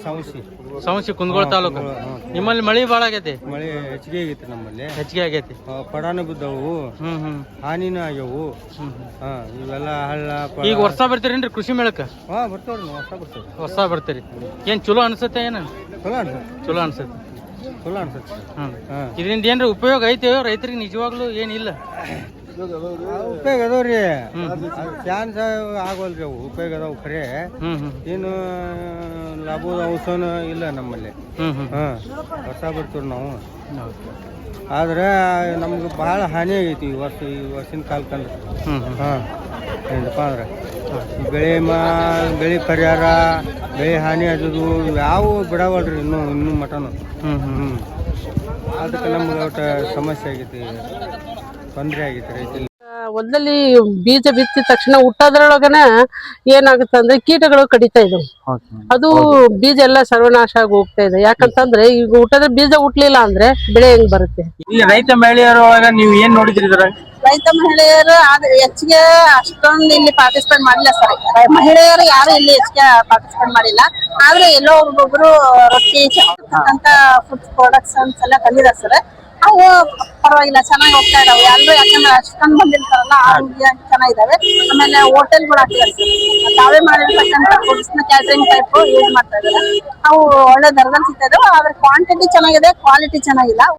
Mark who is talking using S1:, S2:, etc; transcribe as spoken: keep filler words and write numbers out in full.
S1: ಸಮಸ್ಯೆ
S2: ಸಮಸ್ಯೆ ಕುಂದಗೋಳ ತಾಲೂಕು. ನಿಮ್ಮಲ್ಲಿ ಮಳಿ ಭಾಳ ಆಗೈತಿ?
S1: ಮಳೆ ಹೆಚ್ಚಿಗೆ ಆಗೈತಿ ನಮ್ಮಲ್ಲಿ,
S2: ಹೆಚ್ಚಿಗೆ ಆಗೈತಿ.
S1: ಪಡಾನು ಬಿದ್ದವು,
S2: ಹ್ಮ್ ಹ್ಮ್
S1: ಹಾನಿನೂ ಆಗ್ಯವು. ಹಾ ಇವೆಲ್ಲ ಹಳ್ಳ.
S2: ಈಗ ವರ್ಷ ಬರ್ತೀರೇನ್ರಿ ಕೃಷಿ ಮೇಳಕ್ಕ?
S1: ಹಾ ಬರ್ತವ್ರಿ, ವರ್ಷ ಬರ್ತೇವೆ.
S2: ವರ್ಷ ಬರ್ತೀರಿ. ಏನ್ ಚಲೋ ಅನ್ಸುತ್ತೆ? ಏನ
S1: ಚಲೋ ಅನ್ಸುತ್ತೆ,
S2: ಚಲೋ ಅನ್ಸುತ್ತೆ,
S1: ಚಲೋ ಅನ್ಸುತ್ತೆ.
S2: ಹ್ಮ್ ಇದರಿಂದ ಏನ್ರಿ ಉಪಯೋಗ ಐತೆ ರೈತರಿಗೆ? ನಿಜವಾಗ್ಲೂ ಏನಿಲ್ಲ
S1: ಉಪಯೋಗ ಅದಾವ್ರಿ, ಚಾನ್ಸ್ ಆಗೋಲ್ರಿ ಅವು. ಉಪಯೋಗ ಅದಾವ ಖರೆ, ಏನು ಲಾಭದ ಅಂಶನೂ ಇಲ್ಲ ನಮ್ಮಲ್ಲಿ. ಹಾ ವರ್ಷ ಬರ್ತೀವಿ ನಾವು. ಆದ್ರೆ ನಮ್ಗೆ ಭಾಳ ಹಾನಿ ಆಗೈತಿ ಈ ವರ್ಷ, ಈ ವರ್ಷಿನ ಕಾಲಕ್ಕಂದ್ರೆ. ಹಾಂ ಏನಪ್ಪ ಅಂದ್ರೆ ಬೆಳೆ ಮಾ ಬೆಳೆ ಪರಿಹಾರ, ಬೆಳೆ ಹಾನಿ ಆದದು ಯಾವ ಬಿಡವಲ್ರಿ ಇನ್ನೂ ಇನ್ನೂ ಮಟನು. ಹ್ಞೂ ಹ್ಞೂ ಅದಕ್ಕೆ ನಮ್ಗೆ ಒಟ್ಟು ಸಮಸ್ಯೆ ಆಗೈತಿ, ತೊಂದರೆ ಆಗೈತಿ ರೈತರಿಗೆ.
S3: ಹೊಲದಲ್ಲಿ ಬೀಜ ಬಿತ್ತಿದ ತಕ್ಷಣ ಹುಟ್ಟೋದ್ರೊಳಗನ ಏನಾಗುತ್ತೆ ಅಂದ್ರೆ ಕೀಟಗಳು ಕಡಿತಾ ಇದಾವೆ. ಅದು ಬೀಜ ಎಲ್ಲ ಸರ್ವನಾಶ ಆಗಿ ಹೋಗ್ತಾ ಇದೆ. ಯಾಕಂತಂದ್ರೆ ಈಗ ಹುಟ್ಟದ ಬೀಜ ಹುಟ್ಲಿಲ್ಲ ಅಂದ್ರೆ ಬೆಳೆ ಹೆಂಗ್ ಬರುತ್ತೆ?
S2: ಇಲ್ಲಿ ರೈತ ಮಹಿಳೆಯರೊಳಗ ನೀವು ಏನ್ ನೋಡಿದ್ರಿ?
S3: ರೈತ ಮಹಿಳೆಯರು ಆದ್ರೆ ಹೆಚ್ಚಿಗೆ ಅಷ್ಟೊಂದು ಇಲ್ಲಿ ಪಾರ್ಟಿಸಿಪೇಟ್ ಮಾಡಿಲ್ಲ ಸರ್. ಮಹಿಳೆಯರು ಯಾರು ಇಲ್ಲಿ ಹೆಚ್ಚಿಗೆ ಪಾರ್ಟಿಸಿಪೇಟ್ ಮಾಡಿಲ್ಲ. ಆದ್ರೆ ಎಲ್ಲೋ ಒಬ್ಬೊಬ್ರು ರೊಟ್ಟಿ ಅಂತ ಫುಡ್ ಪ್ರೊಡಕ್ಷನ್ಸ್ ಎಲ್ಲ ತಂದಿದ್ದಾರೆ ಸರ್. ಅವು ಪರವಾಗಿಲ್ಲ, ಚೆನ್ನಾಗಿ ಹೋಗ್ತಾ ಇದಾವೆ ಎಲ್ಲರೂ. ಯಾಕಂದ್ರೆ ಅಷ್ಟೊಂದು ಬಂದಿರ್ತಾರಲ್ಲ, ಆರೋಗ್ಯ ಚೆನ್ನಾಗಿದಾವೆ. ಆಮೇಲೆ ಹೋಟೆಲ್ಗಳು ಹಾಕಿದ್ದಾರೆ ಸರ್, ತಾವೇ ಮಾಡಿರ್ತಕ್ಕಂಥ ಫುಡ್ಸ್ ನ ಕ್ಯಾಟರಿಂಗ್ ಟೈಪ್ ಯೂಸ್ ಮಾಡ್ತಾ ಇದಾರೆ. ಅವು ಒಳ್ಳೆ ದರದಲ್ಲಿ ಸಿಗ್ತಾ ಇದಾವೆ. ಆದ್ರೆ ಕ್ವಾಂಟಿಟಿ ಚೆನ್ನಾಗಿದೆ, ಕ್ವಾಲಿಟಿ ಚೆನ್ನಾಗಿಲ್ಲ.